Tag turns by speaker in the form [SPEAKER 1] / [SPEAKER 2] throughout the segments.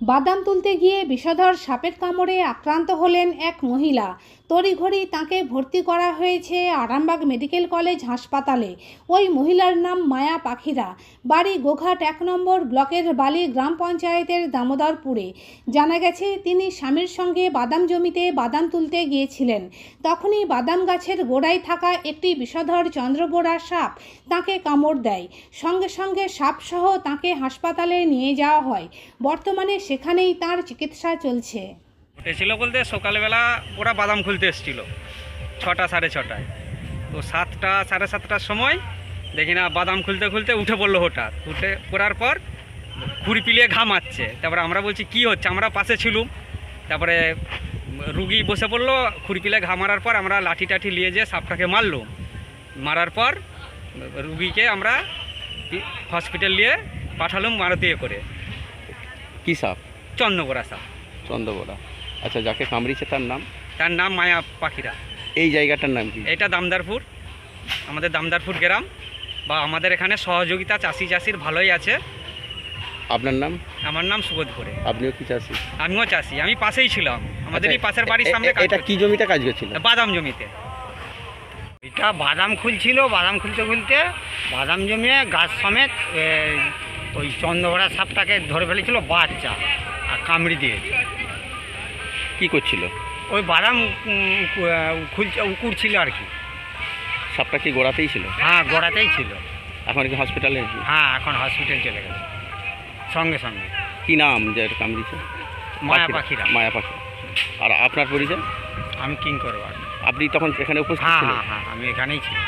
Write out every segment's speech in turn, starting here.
[SPEAKER 1] বাদাম তুলতে গিয়ে বিষধর সাপের কামড়ে আক্রান্ত হলেন এক মহিলা। তড়িঘড়ি তাঁকে ভর্তি করা হয়েছে আরামবাগ মেডিকেল কলেজ হাসপাতালে। ওই মহিলার নাম মায়া পাখিরা, বাড়ি গোঘাট 1 নম্বর ব্লকের বালি গ্রাম পঞ্চায়েতের দামোদরপুরে। জানা গেছে তিনি স্বামীর সঙ্গে বাদাম জমিতে বাদাম তুলতে গিয়েছিলেন। তখনই বাদাম গাছের গোড়ায় থাকা একটি বিষধর চন্দ্রবোরা সাপ তাঁকে কামড় দেয়। সঙ্গে সঙ্গে সাপসহ তাঁকে হাসপাতালে নিয়ে যাওয়া হয়। বর্তমানে সেখানেই তার চিকিৎসা চলছে।
[SPEAKER 2] উঠেছিল বলতে সকালবেলা ওরা বাদাম খুলতে এসেছিল 6টা সাড়ে 6টায়। তো 7টা সাড়ে 7টার সময় দেখি না বাদাম খুলতে খুলতে উঠে পড়লো। হঠাৎ উঠে পড়ার পর খুঁড়ি পিলিয়ে ঘামাচ্ছে। তারপরে আমরা বলছি কি হচ্ছে, আমরা পাশে ছিলুম। তারপরে রুগী বসে পড়লো, খুঁড়ি পিলে ঘা মারার পর আমরা লাঠি টাঠি নিয়ে যেয়ে সাপটাকে মারলুম। মারার পর রুগীকে আমরা হসপিটাল নিয়ে পাঠালুম মারুতিয়ে করে।
[SPEAKER 3] কি সাপ?
[SPEAKER 2] চন্দ্রবোরা সাপ।
[SPEAKER 3] চন্দ্রবোরা। আচ্ছা, যাকে কামড়িয়েছে
[SPEAKER 2] তার নাম মায়া পাখিরা।
[SPEAKER 3] এই জায়গাটার নাম কি?
[SPEAKER 2] এটা দামদারপুর, আমাদের দামদারপুর গ্রাম। বা আমাদের এখানে সহযোগিতা চাষির ভালোই আছে।
[SPEAKER 3] আপনার নাম?
[SPEAKER 2] আমার নাম সুবোধ করে।
[SPEAKER 3] আপনিও কি চাষি?
[SPEAKER 2] আমিও চাষি, আমি পাশেই ছিলাম। আমাদের এই পাশের বাড়ির সামনে।
[SPEAKER 3] এটা কি জমিতে কাজ করছিল?
[SPEAKER 2] বাদাম জমিতে।
[SPEAKER 4] এটা বাদাম খুলছিল, বাদাম খুলতে খুলতে বাদাম জমিয়ে গাছ সমেত ওই চন্দ্রবোরা সাপটাকে ধরে ফেলেছিল বাচ্চা, আর কামড়ি দিয়েছে।
[SPEAKER 3] কি করছিল?
[SPEAKER 4] ওই বাদাম খুলছে, উকুড়ছিল আর কি।
[SPEAKER 3] সাপটা কি গোড়াতেই ছিল?
[SPEAKER 4] হ্যাঁ, গোড়াতেই ছিল।
[SPEAKER 3] এখন কি হসপিটালে?
[SPEAKER 4] হ্যাঁ, এখন হসপিটাল চলে গেছে সঙ্গে সঙ্গে।
[SPEAKER 3] কি নাম যে কামড়িয়েছে?
[SPEAKER 4] মায়া পাখিরা।
[SPEAKER 3] মায়া পাখি। আর আপনার পরিচয়?
[SPEAKER 4] আমি কিং করবো।
[SPEAKER 3] আপনি তখন এখানে উপস্থিত
[SPEAKER 4] হ্যাঁ
[SPEAKER 3] ছিলেন?
[SPEAKER 4] হ্যাঁ হ্যাঁ, আমি এখানেই ছিলাম।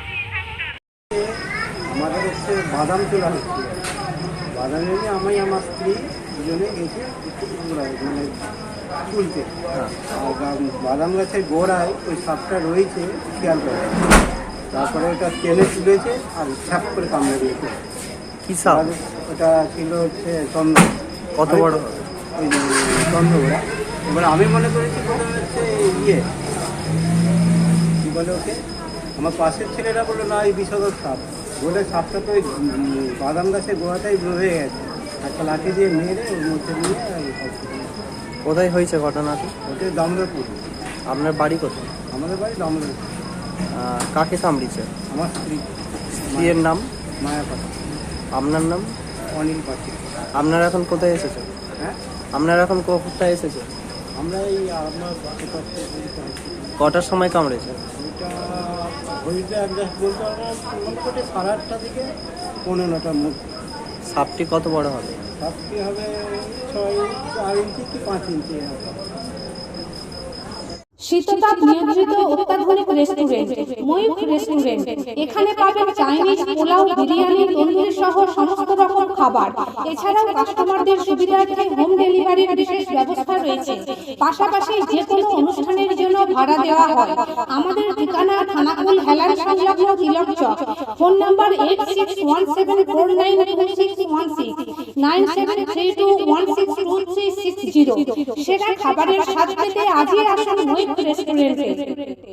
[SPEAKER 5] আমাদের হচ্ছে বাদাম তোলা হচ্ছে। বাদাম নিয়ে আমি আমার স্ত্রী দুজনে গেছি মানে তুলতে। আর বাদাম গাছের গোড়ায় ওই সাপটা রয়েছে খেয়াল করে। তারপরে ওটা টেনে তুলেছে আর ছ্যাপ করে কামড়ে দিয়েছে।
[SPEAKER 6] কি সাপ?
[SPEAKER 5] ওটা ছিল হচ্ছে চন্দ্র।
[SPEAKER 6] কত বড়?
[SPEAKER 5] ওই চন্দ্রবোরা। এবার আমি মনে করেছি বলে হচ্ছে ইয়ে কী বলে ওকে, আমার পাশের ছেলেরা বললো না এই বিষধর সাপ। বলে সাপটা তো ওই বাদাম গাছের গোড়াটাই রয়ে গেছে। একটা লাঠি দিয়ে মেরে ওর মধ্যে নিয়ে
[SPEAKER 6] কোথায় হয়েছে ঘটনাটি?
[SPEAKER 5] ওটা দামোদরপুর।
[SPEAKER 6] আপনার বাড়ি কোথায়?
[SPEAKER 5] আমাদের বাড়ি দামোদরপুর।
[SPEAKER 6] কাকে কামড়িয়েছে?
[SPEAKER 5] আমার স্ত্রী।
[SPEAKER 6] স্ত্রীর নাম?
[SPEAKER 5] মায়া পাখি।
[SPEAKER 6] আপনার নাম?
[SPEAKER 5] অনিল পাখি।
[SPEAKER 6] আপনারা এখন কোথায় এসেছেন?
[SPEAKER 5] হ্যাঁ,
[SPEAKER 6] আপনারা এখন কোথায় এসেছেন?
[SPEAKER 5] আমরা এই আপনার
[SPEAKER 6] কটার সময় কামড়েছে?
[SPEAKER 5] ওইটা হইতে অ্যাডজাস্ট বলতে পারবো মোটামুটি 8:30 থেকে 15টার মধ্যে।
[SPEAKER 6] সাপটি কত বড় হবে?
[SPEAKER 5] সাপটি হবে 4 ইঞ্চি কি 5 ইঞ্চি হবে।
[SPEAKER 1] শীততাপ নিয়ন্ত্রিত অত্যাধুনিক রেস্টুরেন্ট ময়ূখ রেস্টুরেন্ট। এখানে পাবেন চাইনিজ, পোলাও, বিরিয়ানি, তন্দুরি সহ সমস্ত রকম খাবার। এছাড়াও কাস্টমারদের সুবিধার্থে হোম ডেলিভারির বিশেষ ব্যবস্থা রয়েছে। পাশাপাশি যে কোনো অনুষ্ঠানের জন্য ভাড়া দেওয়া হয়। আমাদের ঠিকানা থানাকুল হেলান সংলগ্ন তিলক চক। Phone number 8617492616 9732162360। সেরা খাবারের স্বাদ পেতে আজই আসুন ময়ূখ রেস্টুরেন্টে।